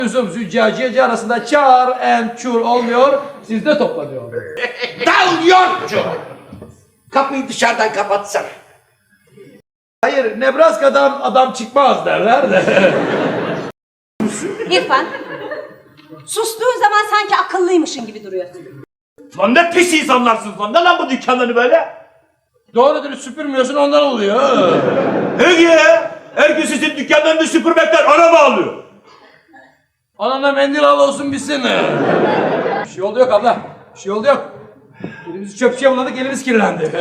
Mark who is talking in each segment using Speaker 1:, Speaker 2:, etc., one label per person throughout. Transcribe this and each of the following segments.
Speaker 1: Züccaciyeci arasında çar and çur olmuyor, sizde toplanıyor.
Speaker 2: Dal yokçu! Kapıyı dışarıdan kapatsana.
Speaker 1: Hayır, Nebraska'dan adam çıkmaz derler de.
Speaker 3: İrfan, sustuğun zaman sanki akıllıymışın gibi duruyorsun.
Speaker 4: Lan ne pis insanlarsınız lan. Ne lan bu dükkanları böyle?
Speaker 1: Doğru dürüst süpürmüyorsun ondan oluyor.
Speaker 4: Peki. Her gün sizin dükkanlarını süpürmekten araba alıyor.
Speaker 1: Anana mendil al olsun bitsin. Bir şey oldu yok abla. Bir şey oldu yok. Elimizi çöpçüye buladık, elimiz kirlendi.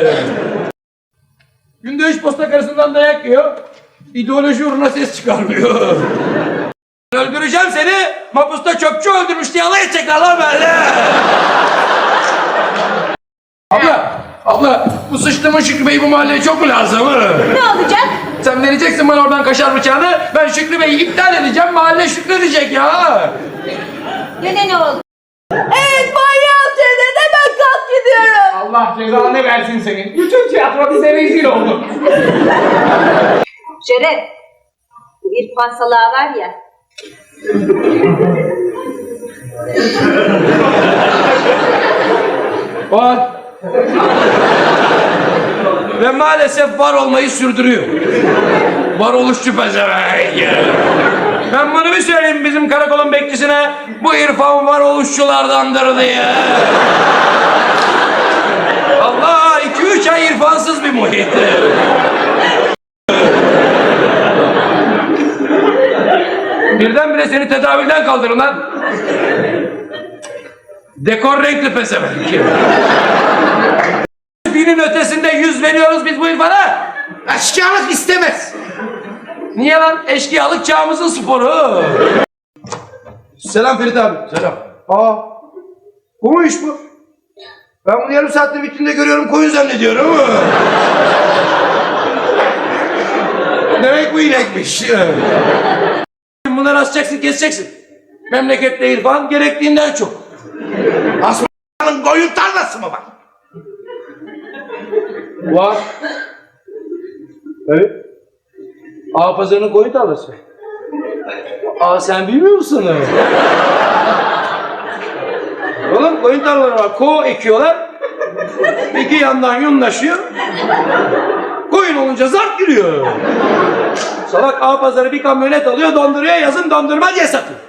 Speaker 1: Günde 3 posta karısından dayak yiyor. İdeoloji uğruna ses çıkarmıyor. Öldüreceğim seni, mapusta çöpçü öldürmüş diye alay edecekler lan böyle. Abla, bu sıçtığımın Şükrü Bey bu mahalleye çok mu lazım?
Speaker 3: Ne olacak?
Speaker 1: Sen vereceksin bana oradan kaşar bıçağını, ben Şükrü Bey'i iptal edeceğim, mahalle şükredecek ya.
Speaker 3: Gene ne oldu?
Speaker 5: Evet manyağım cennete ben kalk gidiyorum.
Speaker 1: Allah cezanı versin senin. Bütün tiyatro bize rezil oldu.
Speaker 3: Şeref, bu İrfan salağı var ya.
Speaker 1: Var. Ve maalesef var olmayı sürdürüyor. Varoluşçu pezevenk. Ben bunu bir söyleyeyim bizim karakolun bekçisine. Bu İrfan varoluşçulardandır diye. Allah 2-3 ay İrfansız bir muhit. Birdenbire seni tedavülden kaldırın lan. Dekor renkli pezevenk. Binin ötesinde 100 veriyoruz biz bu İrfan'a.
Speaker 2: Eşkıyalık istemez.
Speaker 1: Niye lan? Eşkıyalık çağımızın sporu. Selam Ferit abi. Selam. Bu mu iş bu? Ben bunu yarım saattir vitrinde görüyorum, koyun zannediyorum. Demek bu inekmiş. Bunları asacaksın, keseceksin. Memlekette İrfan gerektiğinden çok.
Speaker 2: Asmanın koyun tarlası mı var?
Speaker 1: Var. Evet. Ağa pazarının koyun tarlası. Sen bilmiyor musun? Oğlum koyun tarlaları var. Ko ekiyorlar. İki yandan yunlaşıyor. Koyun olunca zart giriyor. Salak ağa pazarı bir kamyonet alıyor, donduruyor, yazın dondurma diye satıyor.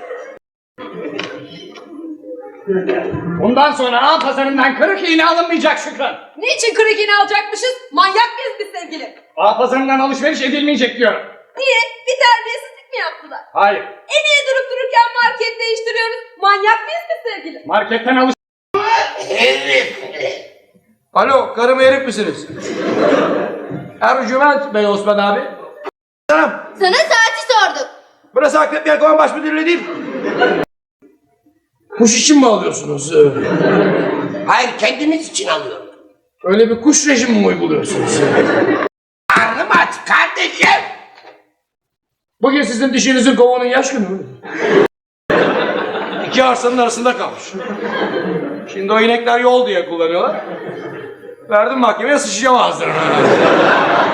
Speaker 6: Bundan sonra ağ pazarından kırık iğne alınmayacak Şükran.
Speaker 5: Niçin kırık iğne alacakmışız? Manyak mıyız biz sevgili?
Speaker 6: Ağ pazarından alışveriş edilmeyecek diyorum.
Speaker 5: Niye? Bir terbiyesizlik mi yaptılar?
Speaker 6: Hayır.
Speaker 5: Niye durup dururken market değiştiriyoruz? Manyak mıyız biz sevgili?
Speaker 6: Marketten alış...
Speaker 1: Alo, karım herif misiniz? Ercüment Bey Osman abi. Selam.
Speaker 5: Sana saati sorduk.
Speaker 1: Burası Akrep Yelkovan Baş Müdürlüğü değil. Kuş için mi alıyorsunuz?
Speaker 2: Hayır kendimiz için alıyorum.
Speaker 1: Öyle bir kuş rejimi mi uyguluyorsunuz?
Speaker 2: Karnım aç kardeşim.
Speaker 1: Bugün sizin dişinizin kovanın yaş günü mü? İki arsanın arasında kalmış. Şimdi o inekler yol diye kullanıyorlar. Verdim mahkemeye, sıçacağım ağzlarına.